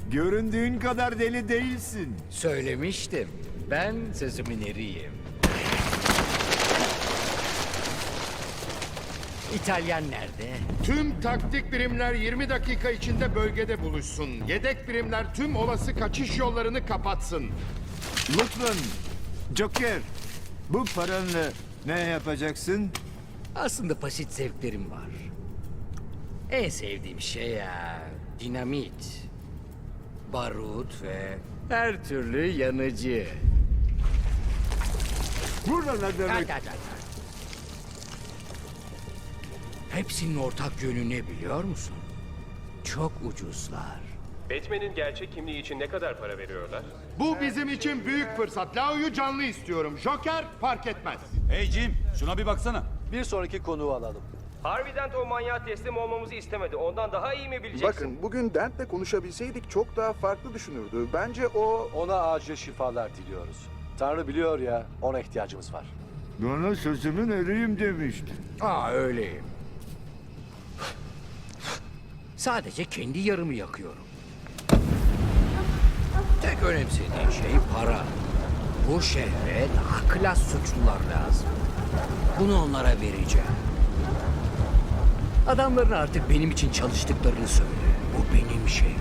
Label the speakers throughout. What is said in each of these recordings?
Speaker 1: Göründüğün kadar deli değilsin.
Speaker 2: Söylemiştim. Ben sözümün eriyim. İtalyan nerede?
Speaker 3: Tüm taktik birimler 20 dakika içinde bölgede buluşsun. Yedek birimler tüm olası kaçış yollarını kapatsın.
Speaker 1: Lütfen. Joker, bu paranla ne yapacaksın?
Speaker 2: Aslında basit zevklerim var. En sevdiğim şey ya dinamit, barut ve her türlü yanıcı.
Speaker 1: Burada ne demek?
Speaker 2: Hepsinin ortak yönü ne biliyor musun? Çok ucuzlar.
Speaker 4: Batman'in gerçek kimliği için ne kadar para veriyorlar?
Speaker 3: Bu bizim için büyük fırsat. Lao'yu canlı istiyorum. Joker fark etmez.
Speaker 5: Hey Jim, şuna bir baksana.
Speaker 6: Bir sonraki konuğu alalım.
Speaker 4: Harvey Dent o manyağa teslim olmamızı istemedi. Ondan daha iyi mi bileceksin?
Speaker 7: Bakın bugün Dent'le konuşabilseydik çok daha farklı düşünürdü. Bence o...
Speaker 6: Ona acil şifalar diliyoruz. Tanrı biliyor ya, ona ihtiyacımız var.
Speaker 1: Bana sözümün eriyim demiştin.
Speaker 2: Öyleyim. Sadece kendi yarımı yakıyorum. Tek önemsediğin şey para. Bu şehre daha klas suçlular lazım. Bunu onlara vereceğim. Adamların artık benim için çalıştıklarını söyle. Bu benim şehrim.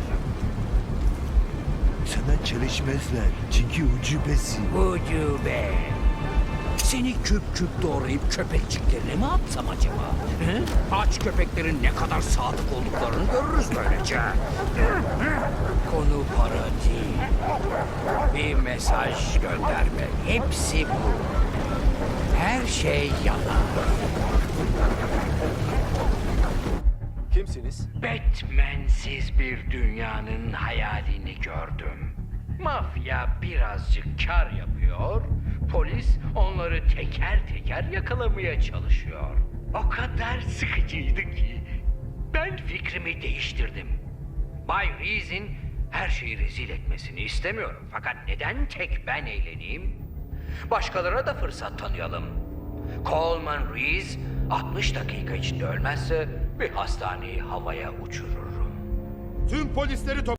Speaker 1: Sana çalışmazlar çünkü ucubesin.
Speaker 2: Ucube. Seni küp küp doğrayıp köpekçiklerine mi atsam acaba? He? Aç köpeklerin ne kadar sadık olduklarını görürüz böylece. Konu para değil. Bir mesaj gönderme. Hepsi bu. Her şey yalan.
Speaker 6: Kimsiniz?
Speaker 2: Batman'siz bir dünyanın hayalini gördüm. Mafya birazcık kar yapıyor, polis onları teker teker yakalamaya çalışıyor. O kadar sıkıcıydı ki ben fikrimi değiştirdim. Bay Reese'in her şeyi rezil etmesini istemiyorum. Fakat neden tek ben eğleneyim? Başkalarına da fırsat tanıyalım. Coleman Reese 60 dakika içinde ölmezse bir hastaneyi havaya uçururum.
Speaker 3: Tüm polisleri